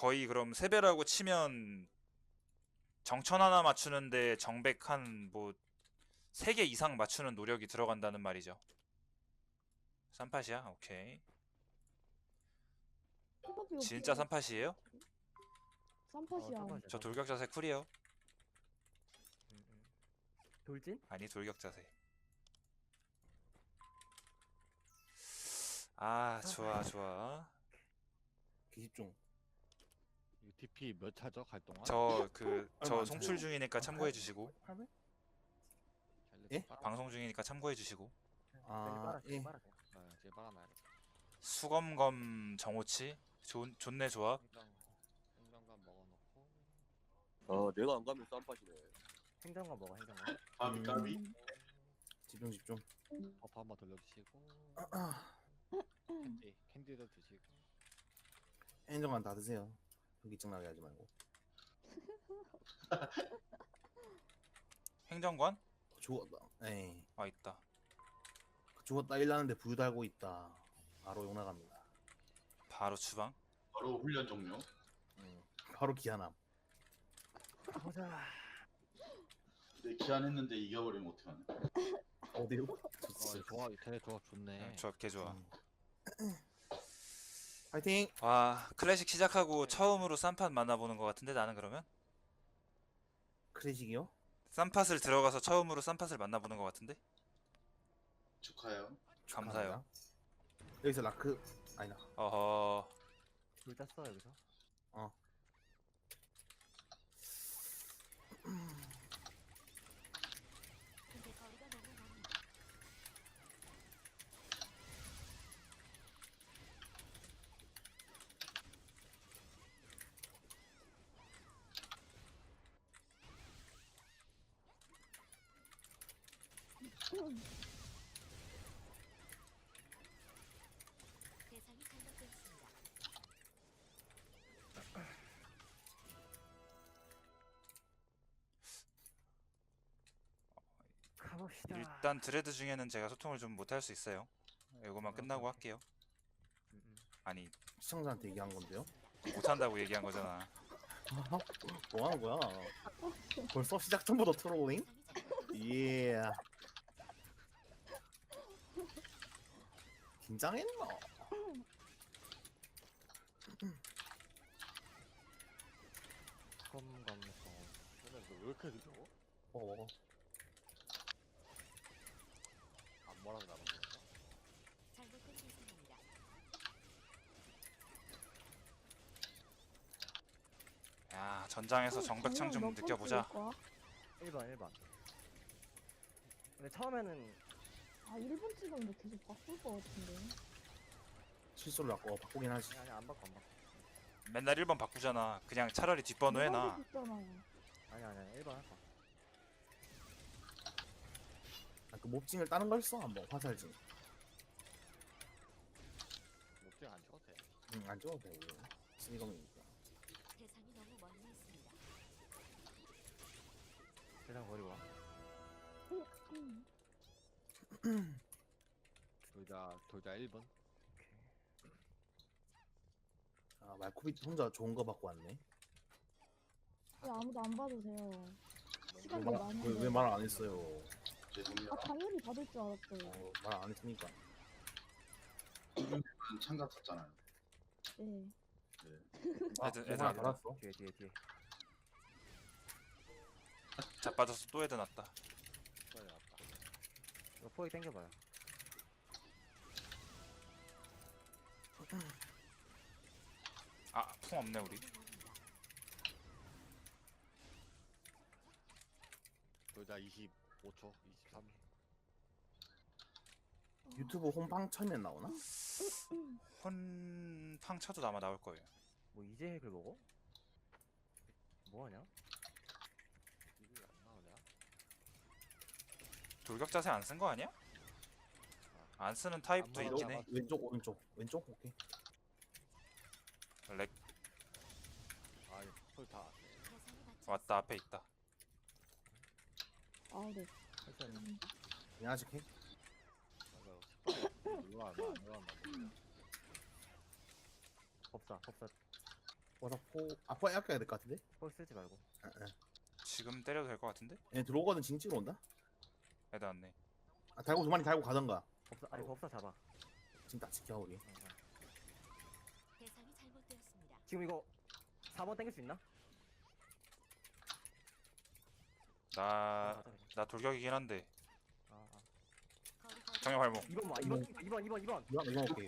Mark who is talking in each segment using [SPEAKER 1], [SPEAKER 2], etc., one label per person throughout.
[SPEAKER 1] 거의 그럼 세배라고 치면 정천 하나 맞추는데 정백 한 뭐 3개 이상 맞추는 노력이 들어간다는 말이죠. 쌈팟이야? 오케이.
[SPEAKER 2] 힙합이
[SPEAKER 1] 진짜
[SPEAKER 2] 없어요.
[SPEAKER 1] 쌈팟이에요?
[SPEAKER 2] 쌈팟이야.
[SPEAKER 3] 쌈팟이야,
[SPEAKER 1] 저
[SPEAKER 3] 쌈팟.
[SPEAKER 1] 돌격 자세 쿨이요.
[SPEAKER 3] 돌진?
[SPEAKER 1] 아니 돌격 자세. 아 좋아 좋아.
[SPEAKER 4] 기집종.
[SPEAKER 5] UTP 몇 차죠? 갈 동안?
[SPEAKER 1] 저 송출 중이니까 참고해 주시고,
[SPEAKER 4] 팔백?
[SPEAKER 5] 잘
[SPEAKER 4] 예?
[SPEAKER 1] 방송 중이니까 참고해 주시고.
[SPEAKER 4] 아, 예.
[SPEAKER 5] 이제 빨아놔야겠다.
[SPEAKER 1] 수검검 정오치 좋네 조합.
[SPEAKER 5] 행정관 먹어놓고
[SPEAKER 6] 내가 안 가면 쌈팟이네.
[SPEAKER 3] 행정관 먹어, 행정관.
[SPEAKER 4] 까비. 집중 집중.
[SPEAKER 5] 버프 한번 돌려주시고 캔디도 드시고
[SPEAKER 4] 행정관 다 드세요. 현기증 나게 하지 말고.
[SPEAKER 1] 행정관?
[SPEAKER 4] 죽었다. 에이.
[SPEAKER 1] 아 있다.
[SPEAKER 4] 죽었다 일나는데 부유 달고 있다. 바로 용 나갑니다.
[SPEAKER 1] 바로 추방.
[SPEAKER 7] 바로 훈련 종료.
[SPEAKER 4] 바로 기한함.
[SPEAKER 3] 가보자.
[SPEAKER 7] 내 기한했는데 이겨버리면 어떡하냐.
[SPEAKER 4] 어디로?
[SPEAKER 5] 좋아 되게 조합 좋네.
[SPEAKER 1] 조합 개 좋아.
[SPEAKER 4] 파이팅!
[SPEAKER 1] 와 클래식 시작하고 처음으로 쌈팟 만나보는 것 같은데 나는 그러면?
[SPEAKER 4] 클래식이요?
[SPEAKER 1] 쌈팟을 들어가서 처음으로 쌈팟을 만나보는 것 같은데?
[SPEAKER 7] 축하해요.
[SPEAKER 1] 감사해요.
[SPEAKER 4] 여기서 라크 아니다.
[SPEAKER 1] 어허.
[SPEAKER 3] 돌 짰어, 여기서.
[SPEAKER 8] 근데 거리가 너무 멀어. 대상이 잘못되었습니다.
[SPEAKER 3] 가봅시다.
[SPEAKER 1] 일단 드레드 중에는 제가 소통을 좀 못할 수 있어요. 이거만 끝나고 할게요. 아니
[SPEAKER 4] 시청자한테 얘기한 건데요.
[SPEAKER 1] 못한다고 얘기한 거잖아.
[SPEAKER 4] 뭐 하는 거야? 벌써 시작 전부터 트롤링? 예. 긴장했나?
[SPEAKER 5] 검검검 근데 왜 이렇게 늦어?
[SPEAKER 4] 먹어.
[SPEAKER 5] 안 뭐라고 나는 거야?
[SPEAKER 8] 잘못된 대상입니다.
[SPEAKER 1] 야 전장에서 정백창 좀 느껴보자.
[SPEAKER 3] 1번, 1번. 근데 처음에는
[SPEAKER 2] 아 1번 찍었는데 계속 바꿀 것 같은데.
[SPEAKER 4] 실수를 바꾸긴 하지.
[SPEAKER 3] 아니, 안 바꿔, 안 바꿔.
[SPEAKER 1] 맨날 1번 바꾸잖아. 그냥 차라리 뒷번호 해놔.
[SPEAKER 2] 있잖아요.
[SPEAKER 3] 아니, 1번 할 거.
[SPEAKER 4] 그 몹징을 다른 걸 써 한번 화살징.
[SPEAKER 5] 목줄 안 쳐도 돼.
[SPEAKER 4] 안 찍어도 돼 이거. 스니검이니까.
[SPEAKER 8] 대상이 너무 멀리 있습니다.
[SPEAKER 3] 대상 버리고 와.
[SPEAKER 5] 돌자 1번.
[SPEAKER 4] 아 말코비 혼자 좋은 거 받고 왔네.
[SPEAKER 2] 왜 아무도 안 봐도 돼요. 시간이 많은데.
[SPEAKER 4] 왜 말 안 했어요?
[SPEAKER 7] 죄송해요.
[SPEAKER 2] 아 당연히 받을 줄 알았어요.
[SPEAKER 4] 말 안 했으니까.
[SPEAKER 7] 참가 탔잖아요.
[SPEAKER 2] 네.
[SPEAKER 1] 애들
[SPEAKER 4] 하나
[SPEAKER 1] 애들
[SPEAKER 4] 받았어.
[SPEAKER 3] 뒤에.
[SPEAKER 1] 자빠져서 또 애들 났다.
[SPEAKER 5] 빨리 왔다.
[SPEAKER 3] 이거 포획 당겨봐요.
[SPEAKER 1] 아 풍 없네 우리.
[SPEAKER 5] 돌자 25초, 23.
[SPEAKER 4] 유튜브 홈방 처음엔 나오나?
[SPEAKER 1] 혼팡 쳐도 아마 나올 거예요.
[SPEAKER 3] 뭐 이제 핵을 먹어? 뭐하냐?
[SPEAKER 5] 이게 안 나오냐?
[SPEAKER 1] 돌격 자세 안 쓴 거 아니야? 안 쓰는 타입도
[SPEAKER 5] 안
[SPEAKER 1] 있긴 해.
[SPEAKER 4] 왼쪽 오른쪽 오케이.
[SPEAKER 1] 렉
[SPEAKER 5] 아 이거 풀다
[SPEAKER 8] 대상이 맞지
[SPEAKER 1] 왔다 앞에 있다.
[SPEAKER 2] 아 네.
[SPEAKER 3] 했어요.
[SPEAKER 4] 그냥 아직 해.
[SPEAKER 5] 이거 안 올라간다.
[SPEAKER 3] 법사.
[SPEAKER 4] 와서 아포 아껴야 될 것 같은데?
[SPEAKER 3] 폴 쓰지 말고.
[SPEAKER 1] 지금 때려도 될 것 같은데?
[SPEAKER 4] 얘 들어오거든 징 찍으러 온다?
[SPEAKER 1] 애들 왔네.
[SPEAKER 4] 아, 달고 두 마리 달고 가던가.
[SPEAKER 3] 법사 아니 법사 잡아.
[SPEAKER 4] 지금 딱 지켜 우리.
[SPEAKER 8] 대상이 잘못되었습니다.
[SPEAKER 3] 지금 이거 4번 땡길 수 있나?
[SPEAKER 1] 나
[SPEAKER 3] 가자, 그냥.
[SPEAKER 1] 나 돌격이긴 한데
[SPEAKER 3] 아, 아.
[SPEAKER 8] 거리
[SPEAKER 1] 정면 발목
[SPEAKER 3] 2번 봐. 2번.
[SPEAKER 4] 이거 오케이.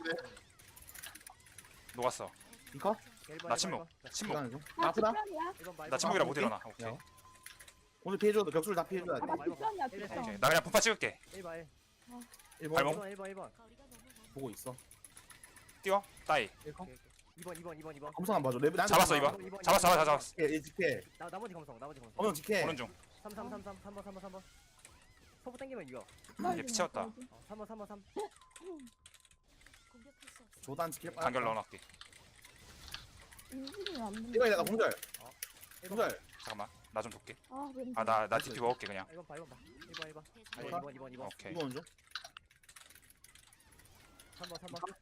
[SPEAKER 1] 녹았어.
[SPEAKER 4] 이거?
[SPEAKER 3] 1번.
[SPEAKER 1] 나 침묵. 침묵.
[SPEAKER 4] 시간은 좀.
[SPEAKER 2] 아
[SPEAKER 4] 아프다?
[SPEAKER 2] 뒷편이야?
[SPEAKER 3] 1번 봐.
[SPEAKER 1] 나 침묵이라 못
[SPEAKER 4] 오케이.
[SPEAKER 1] 일어나. 오케이.
[SPEAKER 4] 야. 오늘 피해줘도 격수를 다 피해줘야 돼.
[SPEAKER 2] 아나 뒷편이야
[SPEAKER 3] 오케이.
[SPEAKER 2] 뒷편.
[SPEAKER 1] 오케이. 나 그냥 분파 찍을게.
[SPEAKER 3] 1번 1.
[SPEAKER 4] 1번
[SPEAKER 1] 발목.
[SPEAKER 3] 1번 1번 1번.
[SPEAKER 8] 거리가 너무 먼
[SPEAKER 4] 보고 있어.
[SPEAKER 1] 뛰어. 따이.
[SPEAKER 4] 1컷.
[SPEAKER 3] 2번.
[SPEAKER 4] 검성 안 봐줘. 레벨 안
[SPEAKER 1] 잡았어,
[SPEAKER 4] 잡아.
[SPEAKER 1] 이거. 잡았어. 다 잡았어.
[SPEAKER 4] 지켜, 얘 지켜.
[SPEAKER 3] 나머지 검성.
[SPEAKER 4] 검성 지켜.
[SPEAKER 1] 보는 중.
[SPEAKER 3] 3번. 소부 땡기면 이겨.
[SPEAKER 1] 얘 피채웠다.
[SPEAKER 3] 3번.
[SPEAKER 8] 공격할 수 없습니다.
[SPEAKER 4] 조단 지킬 뻔.
[SPEAKER 1] 간결 넣어놨게.
[SPEAKER 2] 움직이면 안 된다.
[SPEAKER 4] 이거 내가 공절.
[SPEAKER 3] 1번.
[SPEAKER 4] 공절.
[SPEAKER 1] 잠깐만. 나 좀 볼게.
[SPEAKER 2] 아 왠지.
[SPEAKER 1] 아 나 DP 먹을게 그냥.
[SPEAKER 3] 1번 봐. 1번.
[SPEAKER 8] 대상이
[SPEAKER 4] 아,
[SPEAKER 3] 2번.
[SPEAKER 1] 오케이.
[SPEAKER 4] 이거 먼저.
[SPEAKER 3] 3번.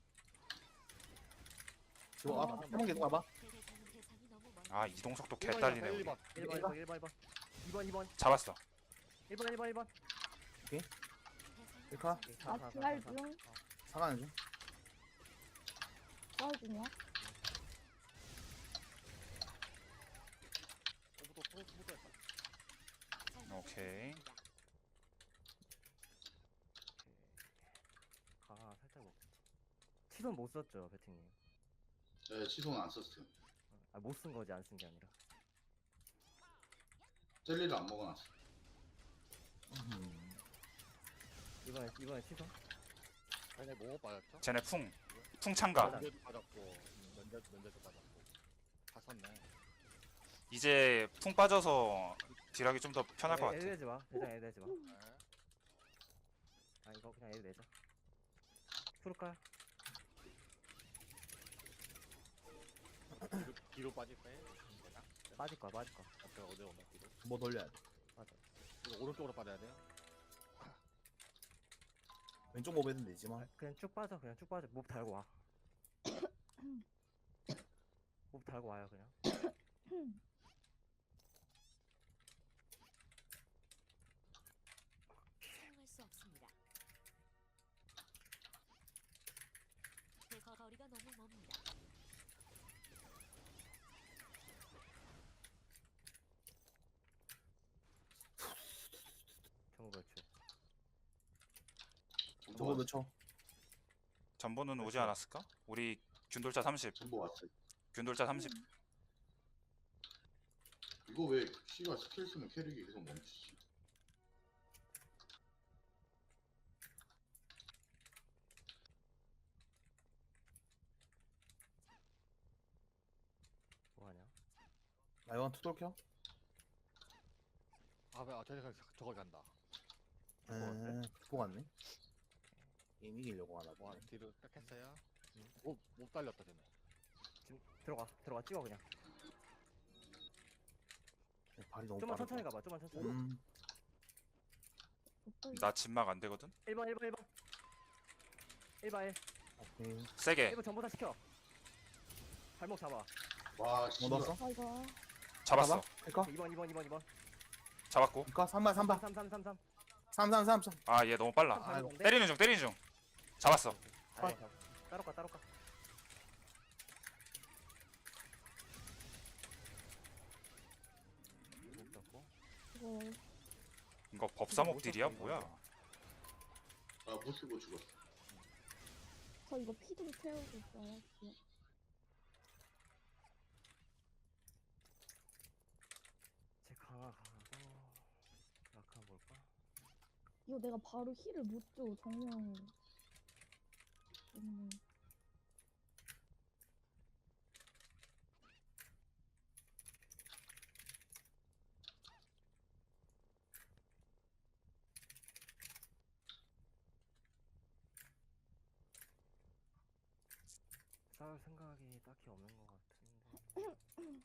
[SPEAKER 4] 지금 와봐. 한번 계속 와봐.
[SPEAKER 8] 대상이 너무 먼.
[SPEAKER 1] 아 이동 속도 개 딸리네. 우리.
[SPEAKER 3] 1번. 2번.
[SPEAKER 1] 잡았어.
[SPEAKER 3] 1번.
[SPEAKER 8] 대상이
[SPEAKER 4] 일카.
[SPEAKER 2] 아 지랄 중.
[SPEAKER 4] 사가는 중.
[SPEAKER 2] 싸울 중이야.
[SPEAKER 1] 오케이.
[SPEAKER 3] 아, 살짝 먹. 치손 못 썼죠, 배팅님.
[SPEAKER 7] 네, 시소는 안 썼어요.
[SPEAKER 3] 아, 못 쓴 거지, 안 쓴 게 아니라.
[SPEAKER 7] 젤리를 안 먹어놨어.
[SPEAKER 3] 이번에 치손?
[SPEAKER 5] 아니 뭐 빠졌죠?
[SPEAKER 1] 쟤네 풍 참가.
[SPEAKER 5] 면제도 빠졌고 면제도 빠졌고 다 썼네.
[SPEAKER 1] 이제 풍 빠져서 딜하기 좀 더 편할 것
[SPEAKER 3] 애드
[SPEAKER 1] 같아.
[SPEAKER 3] 내지 마. 대장 애드 내지 마.
[SPEAKER 5] 네.
[SPEAKER 3] 아, 이거 그냥 애드 내자. 풀을까요?
[SPEAKER 5] 뒤로 빠질 거예요?
[SPEAKER 3] 빠질 거야.
[SPEAKER 5] 어때 어디 오면 뒤로?
[SPEAKER 4] 뭐 돌려야 돼.
[SPEAKER 3] 맞아.
[SPEAKER 5] 이거 오른쪽으로 빠져야 돼요?
[SPEAKER 4] 왼쪽 모베는 되지만.
[SPEAKER 3] 그냥 쭉 빠져. 몹 달고 와. 몹 달고 와요, 그냥.
[SPEAKER 8] 사용할 수 없습니다. 거리가 너무 멉니다.
[SPEAKER 3] 정글출.
[SPEAKER 4] 저거 넣죠.
[SPEAKER 1] 전보는 오지 않았을까? 우리 균돌자 30.
[SPEAKER 7] 전부 왔어요.
[SPEAKER 1] 균돌자 30.
[SPEAKER 7] 이거 왜 C가 스킬 쓰면 캐릭이 계속 멈추지?
[SPEAKER 3] 뭐하냐?
[SPEAKER 4] 나 이건 투돌 켜?
[SPEAKER 5] 저거 간다.
[SPEAKER 4] 듣고 갔네. 게임 이기려고 하나
[SPEAKER 5] 와
[SPEAKER 4] 보네.
[SPEAKER 5] 뒤로 딱 했어요. 못 달렸다 쟤네.
[SPEAKER 3] 지금 들어가 찍어 그냥.
[SPEAKER 4] 발이 너무
[SPEAKER 3] 좀만
[SPEAKER 4] 빠르다.
[SPEAKER 3] 천천히 가봐. 좀만 천천히.
[SPEAKER 1] 나 진막 안 되거든.
[SPEAKER 3] 1번 1번 1.
[SPEAKER 4] 오케이.
[SPEAKER 1] 세게
[SPEAKER 3] 1번 전부 다 시켜. 발목 잡아.
[SPEAKER 7] 와,
[SPEAKER 4] 뭐
[SPEAKER 7] 씨발.
[SPEAKER 4] 넣었어?
[SPEAKER 2] 아 이거.
[SPEAKER 1] 잡았어.
[SPEAKER 4] 이거?
[SPEAKER 3] 2번.
[SPEAKER 1] 잡았고.
[SPEAKER 4] 이거 3번 3번
[SPEAKER 3] 3.
[SPEAKER 4] 3.
[SPEAKER 1] 아 얘 너무 빨라.
[SPEAKER 4] 아이고.
[SPEAKER 1] 때리는 중. 잡았어.
[SPEAKER 3] 따로 가.
[SPEAKER 2] 이거
[SPEAKER 1] 이거 법사목 딜이야 뭐야?
[SPEAKER 7] 아, 못 쓰고 죽었어.
[SPEAKER 2] 저 이거 피 좀 채우고 있어요.
[SPEAKER 3] 제 강하고 라카 볼까?
[SPEAKER 2] 이거 내가 바로 힐을 못 줘. 정면.
[SPEAKER 3] 싸울 생각이 딱히 없는 것 같은데.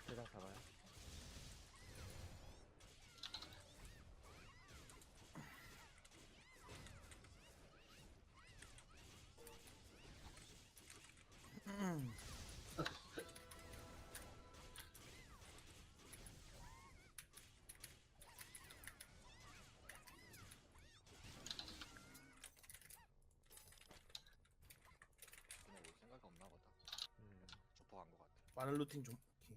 [SPEAKER 3] 대장 잡아요.
[SPEAKER 5] 그냥 올 생각이 없나 보다. 조퍼 간거 같아.
[SPEAKER 4] 빠른 루팅 좀. 오케이.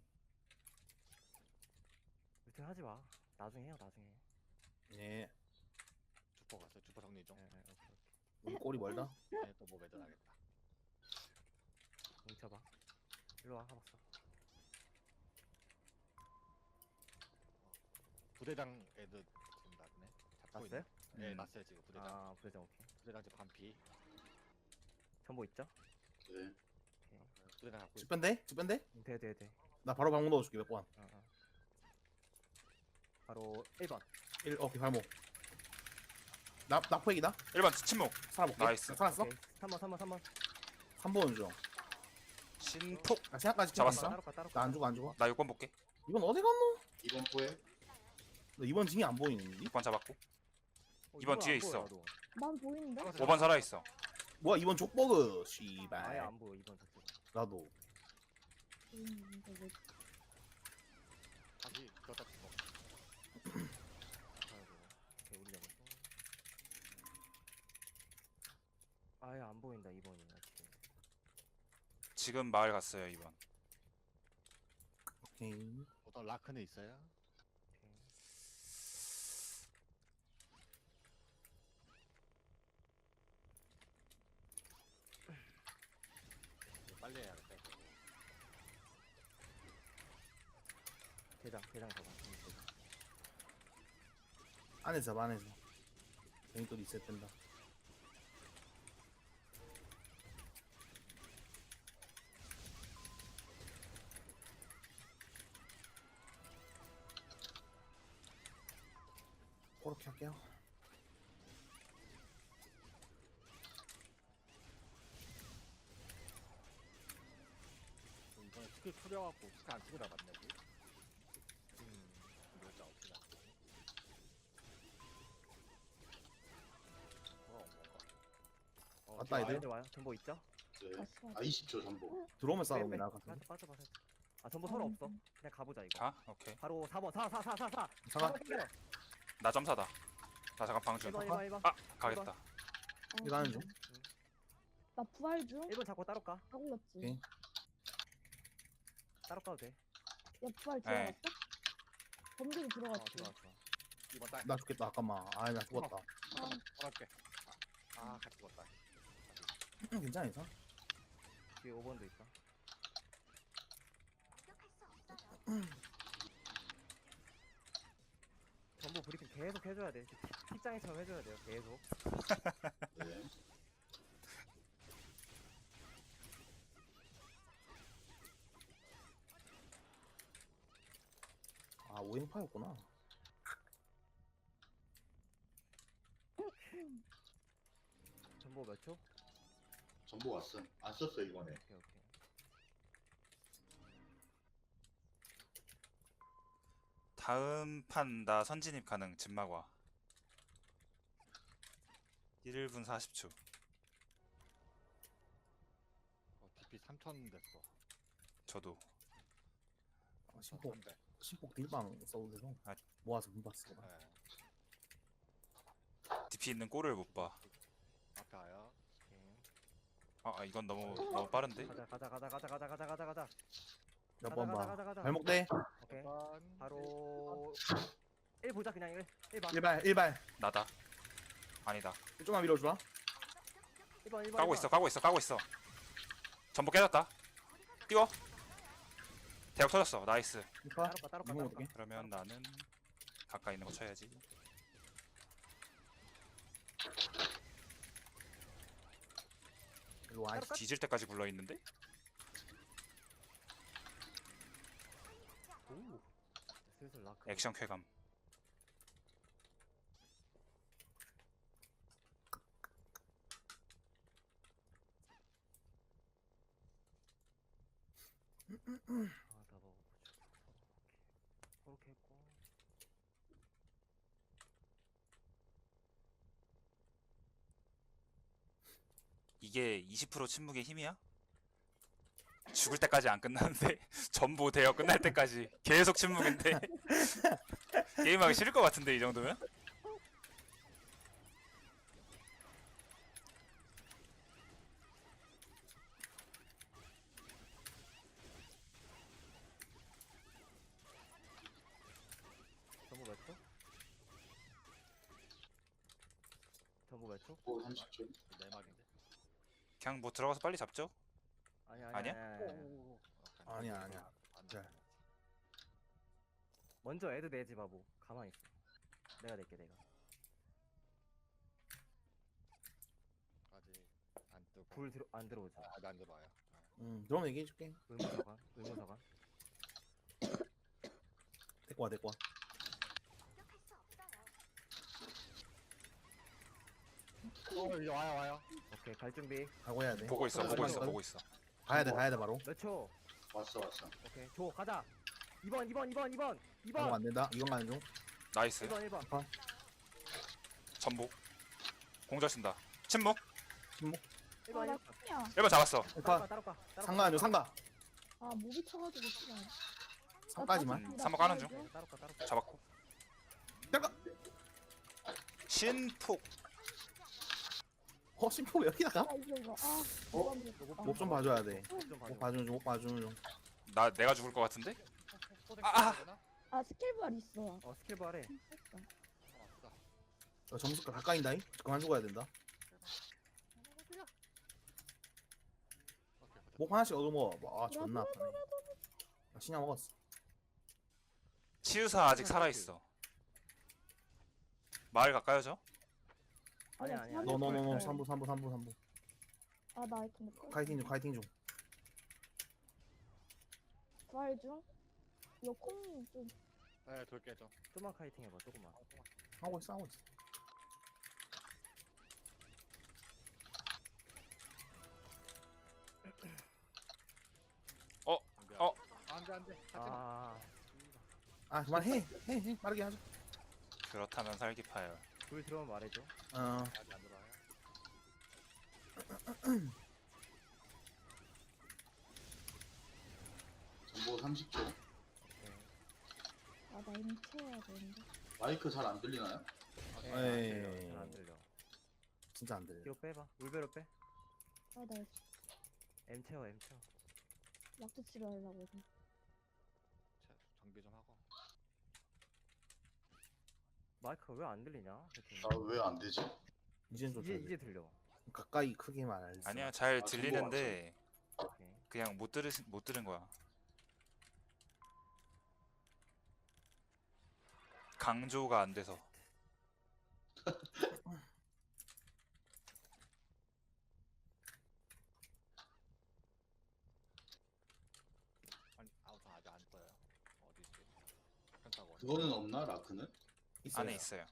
[SPEAKER 3] 루팅 하지 마. 나중에 해요, 나중에.
[SPEAKER 4] 예.
[SPEAKER 5] 조퍼 갔어요. 조퍼 정리 좀.
[SPEAKER 3] 예, 예, 오케이, 오케이.
[SPEAKER 4] 우리 꼬리 멀다.
[SPEAKER 5] 네, 또뭐 매달하겠다.
[SPEAKER 3] 뭉쳐봐. 일로 와, 가봤어.
[SPEAKER 5] 부대장 애들 지금 났네. 잡고
[SPEAKER 3] 났어요?
[SPEAKER 5] 있네. 네, 났어요 지금 부대장.
[SPEAKER 3] 아, 부대장 오케이.
[SPEAKER 5] 부대장 지금 반피.
[SPEAKER 3] 전보 있죠?
[SPEAKER 7] 네.
[SPEAKER 5] 부대장 잡고 있어.
[SPEAKER 4] 집변대? 집변대?
[SPEAKER 3] 돼.
[SPEAKER 4] 나 바로 방문 넣어줄게 몇 번.
[SPEAKER 3] 바로 1번.
[SPEAKER 4] 1 오케이 발목. 나 포획이다.
[SPEAKER 1] 1번 침묵.
[SPEAKER 4] 살아볼게.
[SPEAKER 1] 나이스.
[SPEAKER 4] 살았어?
[SPEAKER 3] 오케이. 3번.
[SPEAKER 4] 3번 중.
[SPEAKER 1] 신폭.
[SPEAKER 4] 나 생각까지
[SPEAKER 1] 잡았어?
[SPEAKER 3] 따로
[SPEAKER 4] 나 안 죽어 안 죽어.
[SPEAKER 1] 나 6번 볼게.
[SPEAKER 4] 이번 어디 갔노?
[SPEAKER 7] 이번 포에
[SPEAKER 4] 너 이번 징이 안 보이는데?
[SPEAKER 1] 6번 잡았고. 이번 뒤에 있어.
[SPEAKER 2] 난 보이는데?
[SPEAKER 1] 5번 살아있어.
[SPEAKER 4] 뭐야 이번 족버그
[SPEAKER 3] 아예
[SPEAKER 4] 씨발.
[SPEAKER 3] 안 보여, 2번 저쪽.
[SPEAKER 4] 나도.
[SPEAKER 2] 보이는데 왜
[SPEAKER 5] 다시 그거다 뭐.
[SPEAKER 3] 오케이, 우리 잡았어. 아예 안 보인다, 2번이. 지금.
[SPEAKER 1] 지금 마을 갔어요 2번.
[SPEAKER 4] 오케이.
[SPEAKER 5] 어떤 라크는 있어요?
[SPEAKER 3] 오케이.
[SPEAKER 5] 이거 빨리 해야겠다. 이거.
[SPEAKER 3] 대장 잡아. 대장.
[SPEAKER 4] 안에서 봐 안에서. 괜히 또 리셋된다. 그렇게 할게요.
[SPEAKER 5] 이번에 스킬 풀려갖고 스킬 안 쓰고 나갔네. 이거 진짜 어떻게 나갔지? 뭐가 온 건가?
[SPEAKER 4] 왔다 애들.
[SPEAKER 3] 애들 와요. 전보 있죠?
[SPEAKER 7] 네.
[SPEAKER 2] 갔어?
[SPEAKER 7] 아 20초 전보.
[SPEAKER 4] 들어오면 싸워
[SPEAKER 3] 빼, 빼.
[SPEAKER 4] 나
[SPEAKER 3] 빠져,
[SPEAKER 4] 같은데.
[SPEAKER 3] 빠져. 아, 전보 서로 없어. 그냥 가보자, 이거.
[SPEAKER 1] 가? 오케이.
[SPEAKER 3] 바로 4번. 4.
[SPEAKER 4] 잠깐.
[SPEAKER 1] 나 점사다. 나 잠깐 방준.
[SPEAKER 3] 1번.
[SPEAKER 1] 아 가겠다.
[SPEAKER 4] 이거 하는 중.
[SPEAKER 2] 나 부활 중?
[SPEAKER 3] 1번 잡고 따로 까.
[SPEAKER 2] 다 굴렸지?
[SPEAKER 4] 오케이.
[SPEAKER 3] 따로 까도 돼.
[SPEAKER 2] 야 부활
[SPEAKER 1] 네.
[SPEAKER 2] 들어갔어? 범죄도 들어갔지?
[SPEAKER 3] 들어왔어.
[SPEAKER 5] 이번 딸.
[SPEAKER 4] 나 죽겠다 잠깐만. 아 나 죽었다.
[SPEAKER 5] 어렵게. 아, 같이 죽었다.
[SPEAKER 4] 괜찮아 괜찮아.
[SPEAKER 3] 뒤에 5번도 있어. 전부 브리핑 계속 해줘야 돼. 픽장이처럼 해줘야 돼요. 계속.
[SPEAKER 7] 네.
[SPEAKER 4] 아 오행파였구나.
[SPEAKER 3] 전부 몇 초?
[SPEAKER 7] 전보 왔어. 안 썼어 이번에.
[SPEAKER 3] 오케이.
[SPEAKER 1] 다음 판 나 선진입 가능. 집마과. 1분 40초.
[SPEAKER 5] DP 3,000 됐어.
[SPEAKER 1] 저도.
[SPEAKER 4] 신폭
[SPEAKER 5] 3,000 대.
[SPEAKER 4] 신폭 딜방 써도 돼서
[SPEAKER 1] 아.
[SPEAKER 4] 모아서 분봤어.
[SPEAKER 5] 네.
[SPEAKER 1] DP 있는 꼴을 못 봐.
[SPEAKER 5] 앞에 와요.
[SPEAKER 1] 아 이건 너무 빠른데?
[SPEAKER 3] 가자.
[SPEAKER 4] 몇 번 봐.
[SPEAKER 3] 가자.
[SPEAKER 4] 발목 대.
[SPEAKER 3] 오케이.
[SPEAKER 5] 번.
[SPEAKER 3] 바로 1 보자. 그냥 1 봐.
[SPEAKER 4] 1발.
[SPEAKER 1] 나다. 아니다.
[SPEAKER 4] 조금만 밀어주라.
[SPEAKER 3] 1번.
[SPEAKER 1] 까고 있어. 전부 깨졌다. 띄워. 대역 터졌어. 나이스.
[SPEAKER 4] 이파.
[SPEAKER 3] 따로 까.
[SPEAKER 4] 이건 어떻게?
[SPEAKER 1] 그러면 나는 가까이 있는 거 쳐야지.
[SPEAKER 4] 일로 와.
[SPEAKER 1] 뒤질 때까지 굴러 있는데?
[SPEAKER 3] 오. 슬슬 라크.
[SPEAKER 1] 액션 쾌감.
[SPEAKER 3] 아, 나 먹어보자.
[SPEAKER 1] 이게 20% 침묵의 힘이야? 죽을 때까지 안 끝나는데 전부 대여 끝날 때까지 계속 침묵인데 게임하기 싫을 것 같은데 이 정도면?
[SPEAKER 3] 전부 몇 초? 전부 몇 초?
[SPEAKER 7] 뭐 30초.
[SPEAKER 5] 내 말인데.
[SPEAKER 1] 그냥 뭐 들어가서 빨리 잡죠?
[SPEAKER 3] 아니야
[SPEAKER 1] 아니야?
[SPEAKER 4] 아니야. 자.
[SPEAKER 3] 먼저 애드 내지 바보. 가만히 있어. 내가 낼게 내가.
[SPEAKER 5] 아직 안 뜨고.
[SPEAKER 3] 불 안 들어오죠.
[SPEAKER 5] 안 들어와요.
[SPEAKER 4] 그럼 얘기해줄게.
[SPEAKER 3] 의무사관. 의무사관.
[SPEAKER 4] 데리고 와.
[SPEAKER 5] 이제 와요.
[SPEAKER 3] 오케이 갈 준비.
[SPEAKER 4] 가고 해야 돼.
[SPEAKER 1] 보고 있어 보고 있어 보고 있어.
[SPEAKER 4] 가야 돼 바로.
[SPEAKER 3] 몇 초?
[SPEAKER 7] 왔어.
[SPEAKER 3] 오케이 줘 가자. 2번
[SPEAKER 4] 가고 안 된다. 이건 가는 중.
[SPEAKER 1] 나이스.
[SPEAKER 3] 1번.
[SPEAKER 1] 전복. 공절 쓴다. 침묵.
[SPEAKER 3] 1번
[SPEAKER 2] 나
[SPEAKER 3] 1번.
[SPEAKER 2] 야
[SPEAKER 1] 1번 잡았어.
[SPEAKER 3] 따로 가.
[SPEAKER 4] 상가 안 줘. 상가.
[SPEAKER 2] 아 모비 쳐가지고 싫어.
[SPEAKER 4] 상까지만.
[SPEAKER 1] 3번 까는 중.
[SPEAKER 3] 따로 가.
[SPEAKER 1] 잡았고.
[SPEAKER 4] 잠깐.
[SPEAKER 1] 신폭.
[SPEAKER 4] 심포 여기다가?
[SPEAKER 2] 아 이거 아.
[SPEAKER 4] 목 좀 봐줘야 돼.
[SPEAKER 3] 좀
[SPEAKER 4] 목
[SPEAKER 3] 봐줘.
[SPEAKER 4] 목 봐주는 중.
[SPEAKER 1] 내가 죽을 것 같은데?
[SPEAKER 2] 아 스킬bar 있어.
[SPEAKER 3] 스킬바 아래.
[SPEAKER 4] 점수가 가까이다잉. 그만 죽어야 된다. 목 하나씩 얻어먹어. 아 존나 아파네. 신약 먹었어.
[SPEAKER 1] 치유사 아직 살아있어. 마을 가까이죠?
[SPEAKER 3] 아니야.
[SPEAKER 4] 노노노노 3부.
[SPEAKER 2] 아나 아이템 못
[SPEAKER 4] 카이팅 중.
[SPEAKER 2] 부활 중. 이거 콩좀
[SPEAKER 5] 네, 돌게 좀.
[SPEAKER 3] 조금만 카이팅 해봐. 조금만.
[SPEAKER 4] 하고 있어.
[SPEAKER 5] 안돼.
[SPEAKER 4] 아 그만해. 해. 빠르게 하자.
[SPEAKER 1] 그렇다면 살기파열.
[SPEAKER 3] 불 들어오면 말해줘.
[SPEAKER 5] 아직 안 들어와요.
[SPEAKER 7] 전보 30초.
[SPEAKER 3] 오케이.
[SPEAKER 2] 아나 이미 채워야 되는데.
[SPEAKER 7] 마이크 잘 안 들리나요?
[SPEAKER 4] 에이.
[SPEAKER 3] 잘안 들려.
[SPEAKER 4] 진짜 안 들려.
[SPEAKER 3] 뒤로 빼봐. 울베로 빼.
[SPEAKER 2] 아나
[SPEAKER 3] M 채워.
[SPEAKER 2] 약도 치료하려고 해.
[SPEAKER 5] 정비 좀 하고.
[SPEAKER 3] 마이크가 왜 안 들리냐?
[SPEAKER 7] 아 왜 안 되지?
[SPEAKER 4] 이제는 좀
[SPEAKER 3] 이제
[SPEAKER 4] 들려.
[SPEAKER 3] 들려.
[SPEAKER 4] 가까이 크게 말할.
[SPEAKER 1] 아니야 잘
[SPEAKER 7] 아,
[SPEAKER 1] 들리는데
[SPEAKER 3] 오케이.
[SPEAKER 1] 그냥 못 들은 거야. 강조가 안 돼서.
[SPEAKER 5] 아니 아우터 아직 안 떠요. 어디 있지? 펜타곤.
[SPEAKER 7] 그거는 없나 라크는?
[SPEAKER 1] 안에 있어요.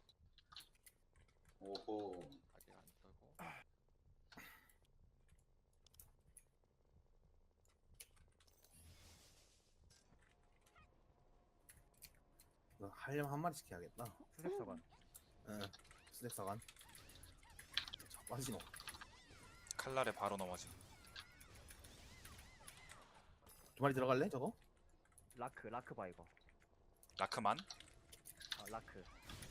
[SPEAKER 7] 오호.
[SPEAKER 5] 아직 안 뜨고.
[SPEAKER 4] 하려면 한 마리씩 해야겠다.
[SPEAKER 3] 수색서관.
[SPEAKER 4] 응. 스낵사관. 빠지노.
[SPEAKER 1] 칼날에 바로 넘어지.
[SPEAKER 4] 두 마리 들어갈래 저거?
[SPEAKER 3] 라크 봐 이거.
[SPEAKER 1] 라크만?
[SPEAKER 3] 라크.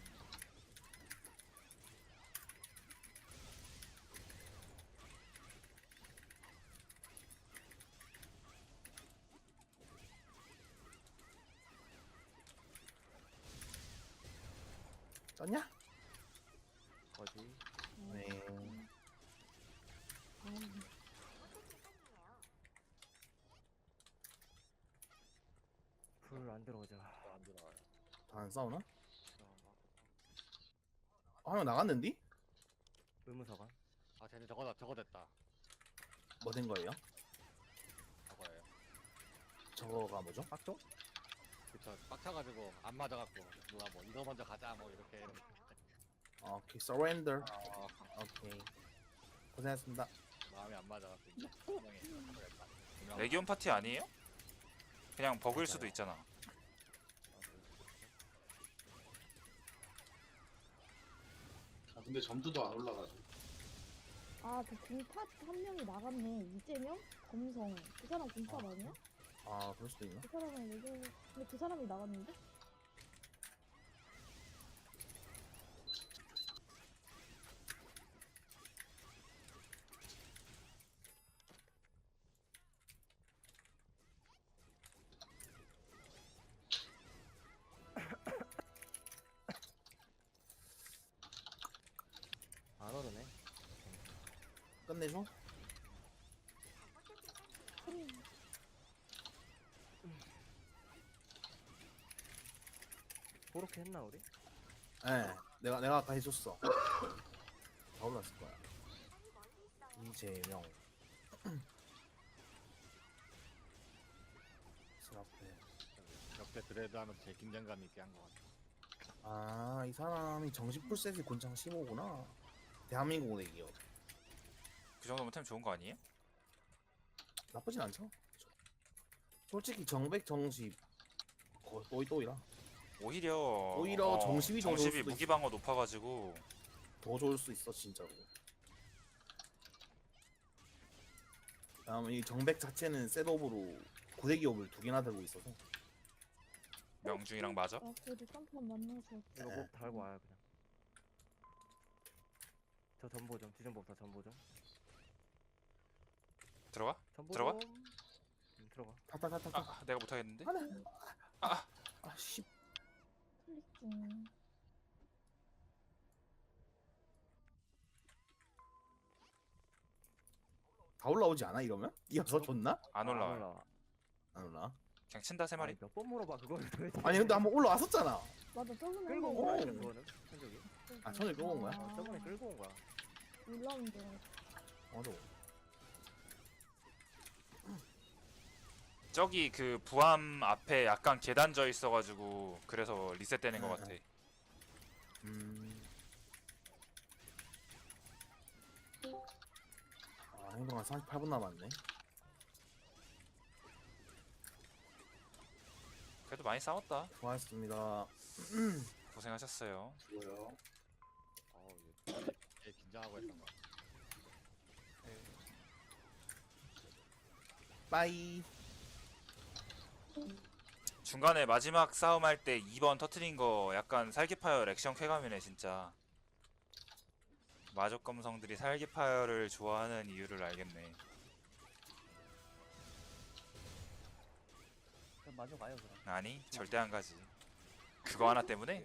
[SPEAKER 4] 떴냐?
[SPEAKER 3] 거지.
[SPEAKER 4] 네.
[SPEAKER 3] 불 안 들어오자.
[SPEAKER 5] 안 들어와요.
[SPEAKER 4] 다 안 싸우나? 형 나갔는디?
[SPEAKER 3] 의무서관.
[SPEAKER 5] 쟤네 저거 됐다.
[SPEAKER 4] 뭐 된 거예요?
[SPEAKER 5] 저거예요.
[SPEAKER 4] 저거가 뭐죠?
[SPEAKER 3] 빡도?
[SPEAKER 5] 그쵸. 빡쳐가지고 안 맞아갖고 누가 뭐 이거 먼저 가자 뭐 이렇게.
[SPEAKER 4] 오케이, surrender.
[SPEAKER 5] 어,
[SPEAKER 4] 오케이. 고생했습니다.
[SPEAKER 5] 마음이 안 맞아갖고 이제 분명히 저거 됐다. 분명히
[SPEAKER 1] 레기온 파티 아니에요? 그냥 버그일 수도 있잖아.
[SPEAKER 7] 아 근데 점수도 안 올라가지고.
[SPEAKER 2] 아, 그 공팟 한 명이 나갔네. 이재명? 검성. 그 사람 공팟 아니야?
[SPEAKER 4] 아 그럴 수도 있나?
[SPEAKER 2] 그 사람은 얘기 근데 그 사람이 나갔는데?
[SPEAKER 3] 안 오르네.
[SPEAKER 4] 끝내줘?
[SPEAKER 3] 그렇게 했나 우리?
[SPEAKER 4] 예, 내가 아까 해줬어. 다 올랐을 거야. 이재명. 스라페.
[SPEAKER 5] 옆에 드레드 하면서 제일 긴장감 있게 한 것 같아.
[SPEAKER 4] 아, 이 사람이 정식 풀셋이 곤창 15구나. 대한민국 내기요.
[SPEAKER 1] 그 정도면 템 좋은 거 아니에요?
[SPEAKER 4] 나쁘진 않죠? 솔직히 정백 정식 거의 또이라
[SPEAKER 1] 오히려
[SPEAKER 4] 정십이 더 좋을
[SPEAKER 1] 정십이
[SPEAKER 4] 수도
[SPEAKER 1] 무기 방어 높아가지고
[SPEAKER 4] 더 좋을 수 있어 진짜로. 다음에 이 정백 자체는 셋업으로 고데기업을 2개나 들고 있어서
[SPEAKER 1] 명중이랑 맞아?
[SPEAKER 2] 아, 그래도 쌈판 만나서.
[SPEAKER 3] 이거 목 달고 와요 그냥. 저 전보 좀 뒤전보부터 전보 좀.
[SPEAKER 1] 들어가?
[SPEAKER 3] 전보
[SPEAKER 1] 들어가?
[SPEAKER 3] 좀. 들어가.
[SPEAKER 4] 타타타타타.
[SPEAKER 1] 아 내가 못하겠는데?
[SPEAKER 4] 아씨.
[SPEAKER 2] 클릭 중.
[SPEAKER 4] 다 올라오지 않아 이러면? 이어서 좋나?
[SPEAKER 1] 안
[SPEAKER 3] 아,
[SPEAKER 1] 올라와.
[SPEAKER 3] 올라와.
[SPEAKER 4] 안 올라.
[SPEAKER 1] 그냥 친다 세 마리.
[SPEAKER 3] 몇 번 물어봐 그거를 도대체.
[SPEAKER 4] 아니 근데 한번 올라왔었잖아.
[SPEAKER 2] 맞아, 저번에
[SPEAKER 3] 끌고 온
[SPEAKER 2] 한번
[SPEAKER 3] 거야
[SPEAKER 4] 오.
[SPEAKER 3] 그거는 천적이.
[SPEAKER 4] 아, 손을 끌고 온 거야?
[SPEAKER 3] 어, 저번에 끌고 온 거야.
[SPEAKER 2] 올라온 줄 알았어.
[SPEAKER 4] 맞아.
[SPEAKER 1] 저기 그 부암 앞에 약간 계단 져 있어가지고 그래서 리셋되는 것 같아.
[SPEAKER 4] 아, 행동한 38분 남았네.
[SPEAKER 1] 그래도 많이 싸웠다.
[SPEAKER 4] 수고하셨습니다.
[SPEAKER 1] 고생하셨어요.
[SPEAKER 7] 수고요.
[SPEAKER 5] 제일 긴장하고 했던 거.
[SPEAKER 4] 빠이.
[SPEAKER 1] 중간에 마지막 싸움 할 때 2번 터트린 거 약간 살기파열 액션 쾌감이네 진짜. 마족 검성들이 살기파열을 좋아하는 이유를 알겠네.
[SPEAKER 9] 그럼 마저 가요 그럼.
[SPEAKER 1] 아니 절대 안 가지. 그거 하나 때문에?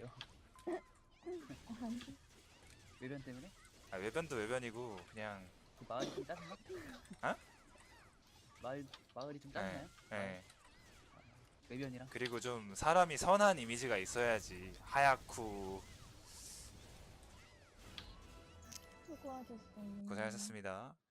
[SPEAKER 9] 외변 때문에?
[SPEAKER 1] 아, 외변도 외변이고 그냥
[SPEAKER 9] 그 마을이 좀 짜증나?
[SPEAKER 1] 어?
[SPEAKER 9] 마을이 좀 짜증나요?
[SPEAKER 1] 예.
[SPEAKER 9] 외변이랑?
[SPEAKER 1] 그리고 좀 사람이 선한 이미지가 있어야지. 하얗고.
[SPEAKER 2] 수고하셨어요.
[SPEAKER 1] 고생하셨습니다.